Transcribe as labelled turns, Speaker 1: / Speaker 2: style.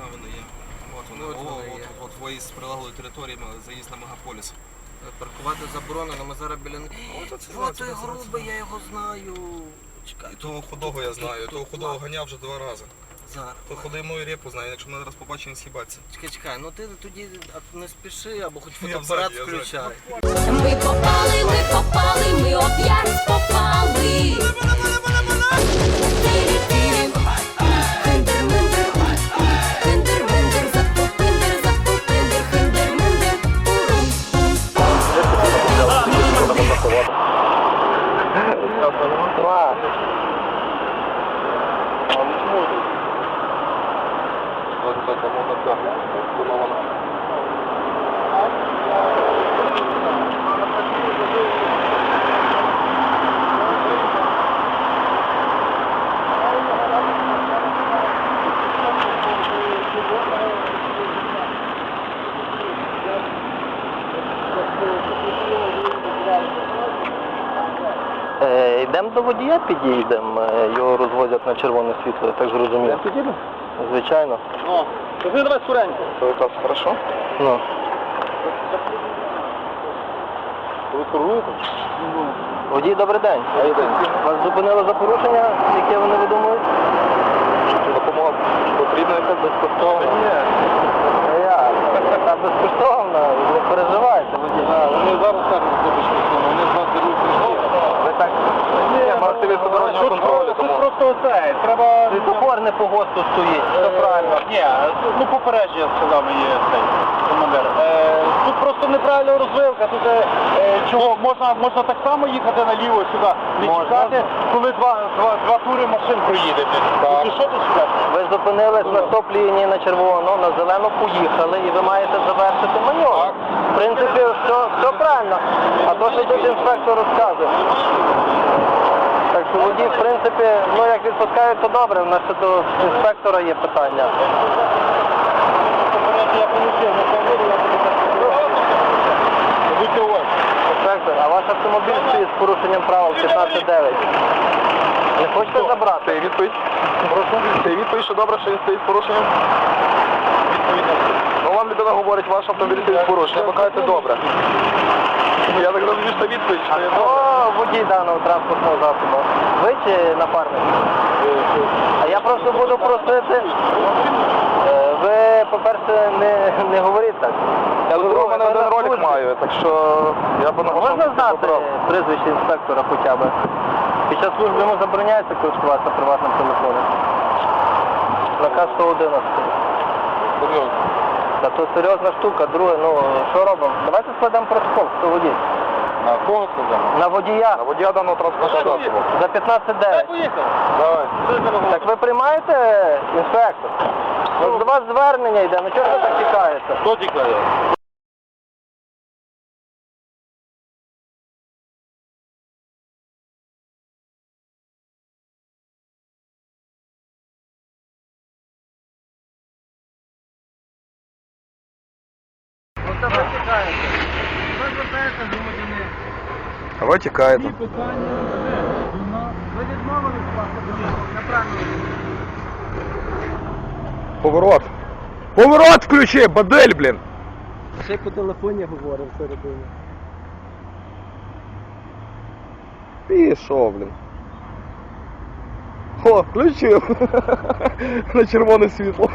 Speaker 1: вони є. От вони, от виїзд з прилеглої території, заїзд на Мегаполіс.
Speaker 2: Паркувати заборонено, ми зараз біля них. О, той грубий, я його знаю. Чекай.
Speaker 1: І того худого я знаю, того худого ганяв вже 2 рази.
Speaker 2: Зараз.
Speaker 1: То худий мою репу знає, якщо мене зараз побачить, він схибаться.
Speaker 2: Чекай, ну ти тоді не спіши, або хоч
Speaker 1: Я
Speaker 2: фотоапарат
Speaker 1: взаді,
Speaker 2: включай.
Speaker 3: Ми попали, ми оп'ять попали. Тирі-тирі, хиндер-миндер, хиндер-миндер, запупиндер, запупиндер, хиндер-миндер,
Speaker 4: Йдемо до водія, підійдемо, його розвозять на червоне світло, я так зрозумів.
Speaker 5: Підійдемо?
Speaker 4: Звичайно.
Speaker 5: О, то ви давай скоренько.
Speaker 4: Це якраз хорошо? Ну.
Speaker 5: Ви керуєте?
Speaker 4: Водій, добрий день. Вас зупинили за порушення, яке вони видумують? Допомога потрібна якась безкоштовна? Ні. Та безкоштовна, не переживайте, водій.
Speaker 5: Вони зараз кажуть, що безкоштовно, вони з вас беруть трішки.
Speaker 4: Ви так... Ні, можете від дорожнього контролю,
Speaker 5: Тут просто оце, треба...
Speaker 4: світофор не по ГОСТу стоїть, все правильно.
Speaker 5: Ні, ну попередження сказав мені цей командир. Тут просто неправильна розвилка, тут чого, можна так само їхати наліво сюди, не чекати, коли два тури машин проїде. Ти що тут сюди?
Speaker 4: Ви зупинились на стоп-лінії на червону, на зелену поїхали і ви маєте завершити маневр. В принципі, все правильно. А то, що тут інспектор розказує. Так що водій, в принципі, ну як відпускають, то добре, у нас ще до інспектора є питання.
Speaker 5: Я полетів на камері, я тобі так сказав. Будьте уважні.
Speaker 4: Інспектор, а ваш автомобіль стоїть з порушенням правил 15.9. Не хочете забрати? Це відповідь. Прошу. Це відповідь, що добре, що він стоїть з порушенням?
Speaker 5: Відповідно.
Speaker 4: Ну вам людина говорить, ваш автомобіль стоїть з порушенням, ви кажете добре.
Speaker 5: Я так розумію, що відповідь, що я
Speaker 4: Хто водій даного транспортного засобу? Ви чи напарник? А я просто буду просити, ви, по-перше, не говоріть так.
Speaker 5: Я у мене один ролик маю, так що я б
Speaker 4: Можна знати прізвище інспектора хоча б? Під час служби йому забороняється користуватися приватним телефоном. Наказ 111.
Speaker 5: Серйозно.
Speaker 4: Та то серйозна штука, друге, ну що робимо? Давайте складемо протокол, хто водій.
Speaker 5: На кого сказав?
Speaker 4: На водія.
Speaker 5: На водія даного транспортного засобу.
Speaker 4: За 15.9.
Speaker 5: Поїхав. Давай.
Speaker 4: Так ви приймаєте, інспектор? Ну, до вас звернення йде, ну чого ви так тікаєте?
Speaker 5: Хто тікає?
Speaker 4: Ну це ви тікаєте. Ви звертаєте громадянин.
Speaker 1: А ви тікаєте.
Speaker 4: Ви відмовились паспорту на правильному.
Speaker 1: Поворот. Поворот включи, бадель, блін.
Speaker 4: Ще по телефоні говорив всередині.
Speaker 1: Пішов, блін. О, включив. На червоне світло.